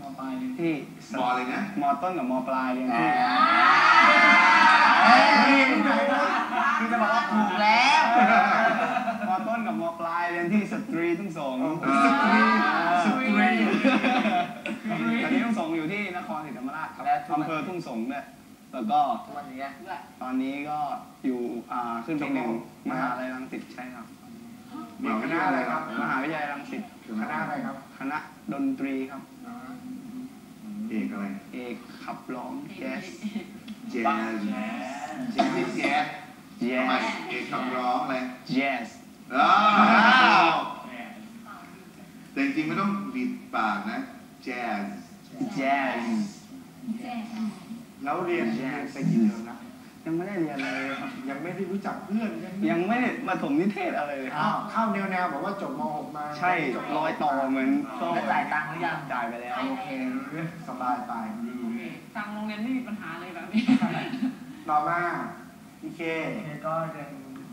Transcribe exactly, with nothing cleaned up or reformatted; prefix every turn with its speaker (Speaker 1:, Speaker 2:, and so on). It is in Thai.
Speaker 1: มปลายเรียนที่
Speaker 2: มอเลยนะ
Speaker 1: มอต้นกับมอปลายเรียนที่
Speaker 3: คือจะบอกว่าถูกแล้ว
Speaker 1: มอต้นกับมอปลายเรียนที่สตรีทุ่งสง
Speaker 2: สตรีสตรี
Speaker 1: ตอนนี้ทุ่งสงอยู่ที่นครศรีธรรมราชครับอำเภอทุ่งสงเนี่ยแล้วก็ตอนนี้ก็อยู่ขึ้นปีหนึ่งมหาลัยรังสิตใช่ครับ
Speaker 2: มีคณะอะไรครับ
Speaker 1: มหาวิทยาลัยรังสิต
Speaker 2: คณะอะไรครับ
Speaker 1: คณะดนตรีครับ
Speaker 2: เอกอะไร
Speaker 1: เอกขับร้องแจ๊ส
Speaker 2: แจ๊สแจ๊สแจ๊ส
Speaker 1: แจ๊ส
Speaker 2: เอกขับร้องอะไร
Speaker 1: แจ๊ส
Speaker 2: แต่จริงๆไม่ต้องบีบปากนะแจ๊ส
Speaker 1: แจ๊ส
Speaker 3: แล้วเรียนไปกี่เทอมนะ
Speaker 1: ยังไม่ได้เรียนเลยครับ
Speaker 3: ยังไม่ได้รู้จักเพื่อน
Speaker 1: ยังไม่ได้มาถมนิเทศอะไรเลย
Speaker 3: เข้าแนวแนวบอกว่าจบม หก มา
Speaker 1: ใช่ร้อยต่อเหมือน
Speaker 3: จ่ายตังค์หรือยัง
Speaker 1: จ่ายไปแล้ว
Speaker 3: โอเคสบายไปดี
Speaker 4: ทางโรงเรียนไม่มีปัญหาเลยแบบนี้
Speaker 3: ต่อมาพี่เค
Speaker 5: ก็เรียน